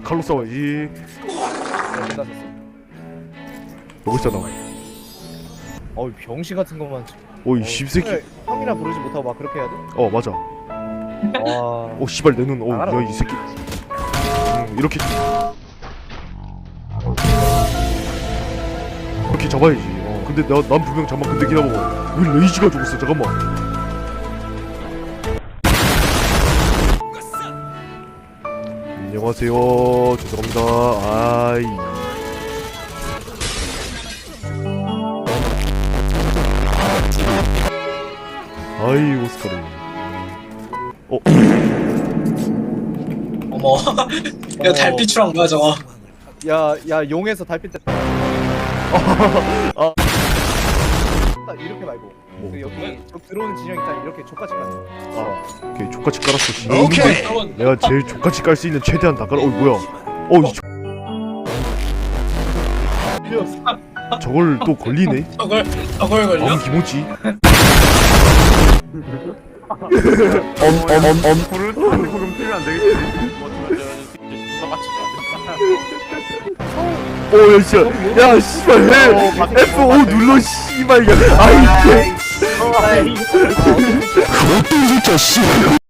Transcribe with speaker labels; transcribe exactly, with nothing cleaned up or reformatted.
Speaker 1: 칼로 싸워야지.
Speaker 2: 끝났었어.
Speaker 1: 여기 있잖아.
Speaker 2: 어이 병신 같은 것만.
Speaker 1: 오이 씹새끼.
Speaker 2: 형이라 부르지 못하고 막 그렇게 해야 돼?
Speaker 1: 어 맞아.
Speaker 2: 와.
Speaker 1: 오 씨발 내 눈.
Speaker 2: 나가라.
Speaker 1: 오야 이 새끼. 음, 이렇게 이렇게 잡아야지. 어 근데 나, 난 분명 잠만 근데 기다려봐. 왜 레이지가 죽었어? 잠깐만. 안녕하세요. 죄송합니다. 아이. 아이 오스카르. 어.
Speaker 3: 어머 이거 달빛이랑 뭐야 저거.
Speaker 2: 야, 야 용에서 달빛 때.
Speaker 1: 아.
Speaker 2: 딱 이렇게 말고.
Speaker 1: 뭐?
Speaker 2: 그 여기 저 들어오는 진영 있잖아. 이렇게 족같이 깔아.
Speaker 1: 아. 오케이 족같이 깔았어. 씨.
Speaker 3: 오케이. 여러분
Speaker 1: 내가 제일 족같이 깔 수 있는 최대한 다 깔아. 어이 뭐야? 어이 저걸 또 걸리네.
Speaker 3: 저걸 저걸 걸려?
Speaker 1: 마음 기모지. 엄엄엄엄
Speaker 4: 불을 조금 틀면 안 되겠지?
Speaker 1: 오야 씨야 야 씨발 해 에프 오 눌러 씨발 야 아이 개
Speaker 2: 아이.
Speaker 1: 그것도 이 새끼야 씨발